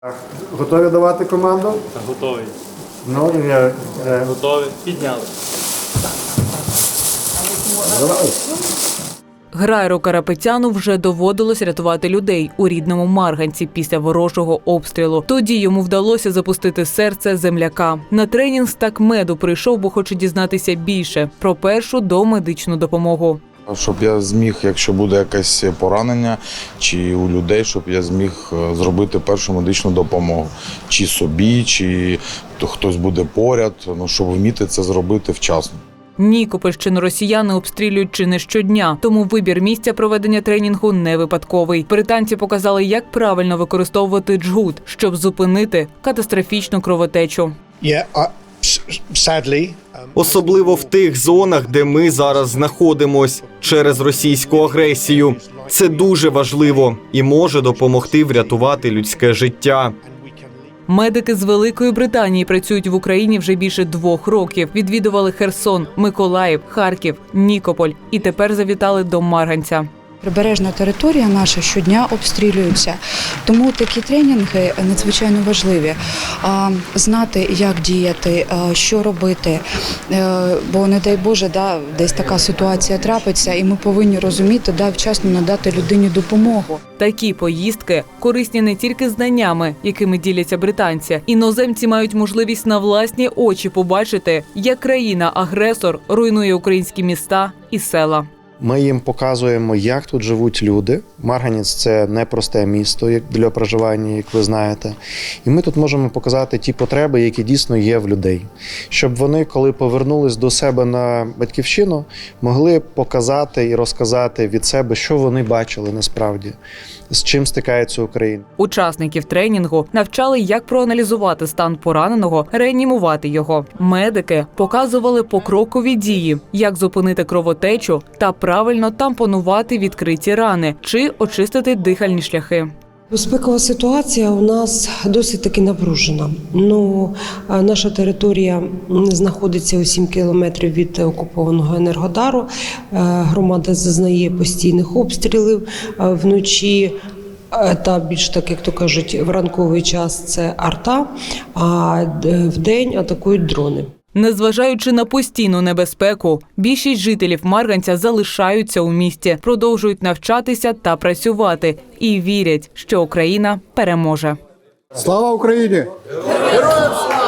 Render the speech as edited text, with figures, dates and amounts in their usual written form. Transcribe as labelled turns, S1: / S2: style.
S1: Готові давати команду?
S2: Готовий.
S1: Ну,
S2: Готовий. Підняли.
S3: Грайру Карапетяну вже доводилось рятувати людей у рідному Марганці після ворожого обстрілу. Тоді йому вдалося запустити серце земляка. На тренінг з такмеду прийшов, бо хоче дізнатися більше про першу домедичну допомогу.
S4: Щоб я зміг, якщо буде якесь поранення чи у людей, щоб я зміг зробити першу медичну допомогу. Чи собі, чи хтось буде поряд, щоб вміти це зробити вчасно.
S3: Нікопольщину росіяни обстрілюють чи не щодня, тому вибір місця проведення тренінгу не випадковий. Британці показали, як правильно використовувати джгут, щоб зупинити катастрофічну кровотечу.
S5: Особливо в тих зонах, де ми зараз знаходимось через російську агресію. Це дуже важливо і може допомогти врятувати людське життя.
S3: Медики з Великої Британії працюють в Україні вже більше 2 років. Відвідували Херсон, Миколаїв, Харків, Нікополь і тепер завітали до Марганця.
S6: Прибережна територія наша щодня обстрілюється, тому такі тренінги надзвичайно важливі. Знати, як діяти, що робити, бо, не дай Боже, десь така ситуація трапиться, і ми повинні розуміти, вчасно надати людині допомогу.
S3: Такі поїздки корисні не тільки знаннями, якими діляться британці. Іноземці мають можливість на власні очі побачити, як країна-агресор руйнує українські міста і села.
S7: Ми їм показуємо, як тут живуть люди. Марганець – це непросте місто для проживання, як ви знаєте. І ми тут можемо показати ті потреби, які дійсно є в людей. Щоб вони, коли повернулись до себе на батьківщину, могли показати і розказати від себе, що вони бачили насправді, з чим стикається Україна.
S3: Учасників тренінгу навчали, як проаналізувати стан пораненого, реанімувати його. Медики показували покрокові дії, як зупинити кровотечу та правильно тампонувати відкриті рани чи очистити дихальні шляхи.
S8: Безпекова ситуація у нас досить таки напружена. Наша територія знаходиться у 7 кілометрів від окупованого Енергодару. Громада зазнає постійних обстрілів вночі. Та більш так, як то кажуть, в ранковий час це арта, а вдень атакують дрони.
S3: Незважаючи на постійну небезпеку, більшість жителів Марганця залишаються у місті, продовжують навчатися та працювати і вірять, що Україна переможе.
S1: Слава Україні! Героям слава!